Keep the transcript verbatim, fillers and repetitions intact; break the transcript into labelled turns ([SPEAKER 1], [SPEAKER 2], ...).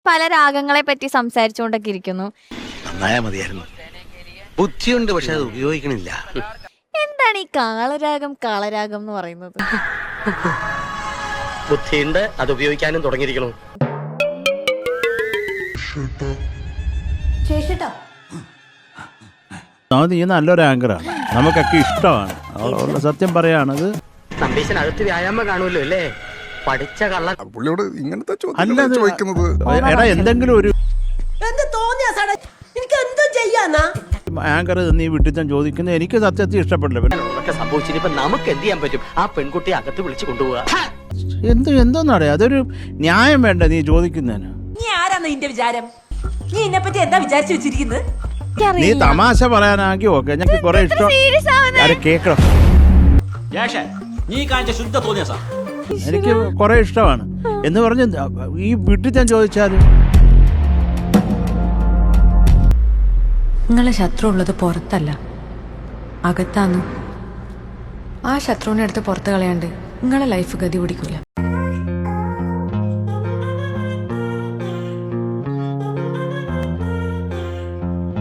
[SPEAKER 1] പല രാഗങ്ങളെ പറ്റി സംസാരിച്ചുകൊണ്ടൊക്കെ ഇരിക്കുന്നു.
[SPEAKER 2] നന്നായാ മതിയായിരുന്നു. ബുദ്ധിയുണ്ട്, പക്ഷെ അത് ഉപയോഗിക്കണില്ല.
[SPEAKER 1] എന്താണ് ഈ കാളരാഗം കാളരാഗം എന്ന് പറയുന്നത്?
[SPEAKER 3] ബുദ്ധിയുണ്ട്, അത് ഉപയോഗിക്കാനും തുടങ്ങിയിരിക്കണു.
[SPEAKER 4] നീ നല്ലൊരു ആങ്കറാണ്, നമുക്കൊക്കെ ഇഷ്ടമാണ്. അതുകൊണ്ട് സത്യം പറയാണത്.
[SPEAKER 3] നമ്പീശനകത്ത് വ്യായാമം കാണുമല്ലോ അല്ലേ? പഠിച്ച കള്ള
[SPEAKER 5] പുള്ളിയോട് ഇങ്ങനത്തെ
[SPEAKER 4] അല്ലത്
[SPEAKER 5] ചോദിക്കുന്നത്.
[SPEAKER 4] എടാ എന്തെങ്കിലും ഒരു ആങ്കർ നീ വീട്ടിൽ തന്നെ ചോദിക്കുന്നത് എനിക്ക് സത്യത്തിൽ ഇഷ്ടപ്പെടില്ല.
[SPEAKER 3] ഒക്കെ സംഭവിച്ചിട്ട് നമുക്ക് എന്ത് ചെയ്യാൻ പറ്റും? ആ പെൺകുട്ടിയെ അകത്ത് വിളിച്ചു കൊണ്ടുപോവാ.
[SPEAKER 4] എന്ത് എന്തോന്നാടേ, അതൊരു ന്യായം വേണ്ട നീ ചോദിക്കുന്നതിന്.
[SPEAKER 6] നീ ആരാന്ന് നിന്റെ വിചാരം? നീ എന്നെ പറ്റി എന്താ വിചാരിച്ചു വെച്ചിരിക്കുന്നത്?
[SPEAKER 4] നീ തമാശ പറയാനാക്കി ഓക്കെ, ഞങ്ങൾക്ക് കുറെ ഇഷ്ടം. ആരെ കേക്കണം, എനിക്ക് കുറെ ഇഷ്ടമാണ് എന്ന് പറഞ്ഞ് ഈ വീട്ടിൽ ഞാൻ ചോദിച്ചാലും.
[SPEAKER 7] നിങ്ങളെ ശത്രു ഉള്ളത് പുറത്തല്ല, അകത്താന്ന്. ആ ശത്രുവിനെ എടുത്ത് പുറത്ത് കളയാണ്ട് നിങ്ങളെ ലൈഫ് ഗതി പിടിക്കൂല.